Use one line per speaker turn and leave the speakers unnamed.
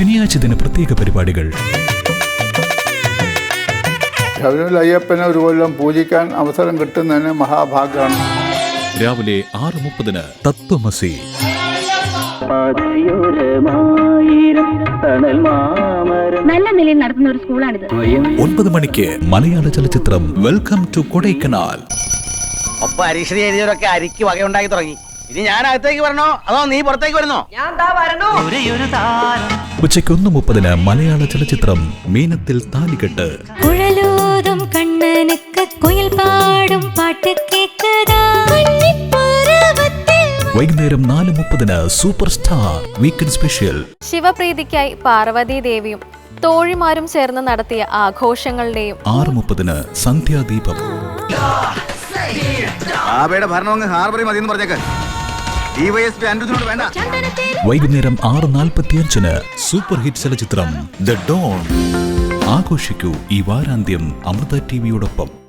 ശനിയാഴ്ച ദിന പ്രത്യേക പരിപാടികൾ.
ശബരിമല അയ്യപ്പനെ ഒരു കൊല്ലം പൂജിക്കാൻ അവസരം കിട്ടുന്നതിന് മഹാഭാഗ്യമാണ്.
രാവിലെ 6:30 തത്വമസി.
നല്ല നിലയിൽ നടത്തുന്ന ഒരു സ്കൂളാണിത്.
9 മണിക്ക് മലയാള ചലച്ചിത്രം വെൽക്കം ടു കൊടൈക്കനാൽ.
ഒപ്പം അരീക്ഷണി എഴുതിയവരൊക്കെ അരിക്ക് വകയുണ്ടാക്കി തുടങ്ങി. ഇനി ഞാൻ അകത്തേക്ക് വരണോ അതോ നീ പുറത്തേക്ക് വരുന്നോ?
ഉച്ചയ്ക്ക് 1:30 മലയാള ചലച്ചിത്രം മീനത്തിൽ താലികെട്ട്. വൈകുന്നേരം 4:30 സൂപ്പർ സ്റ്റാർ വീക്കെൻഡ് സ്പെഷ്യൽ.
ശിവപ്രീതിക്കായി പാർവതി ദേവിയും തോഴിമാരും ചേർന്ന് നടത്തിയ ആഘോഷങ്ങളുടെയും.
6:30 സന്ധ്യാദീപം.
ഭരണം അങ്ങ് ഹാർബറി മതി എന്ന് പറഞ്ഞേക്ക്. വേണ്ട.
വൈകുന്നേരം 6:45 സൂപ്പർ ഹിറ്റ് ചലച്ചിത്രം ദ ഡോൺ. ആഘോഷിക്കൂ ഈ വാരാന്ത്യം അമൃത ടിവിയോടൊപ്പം.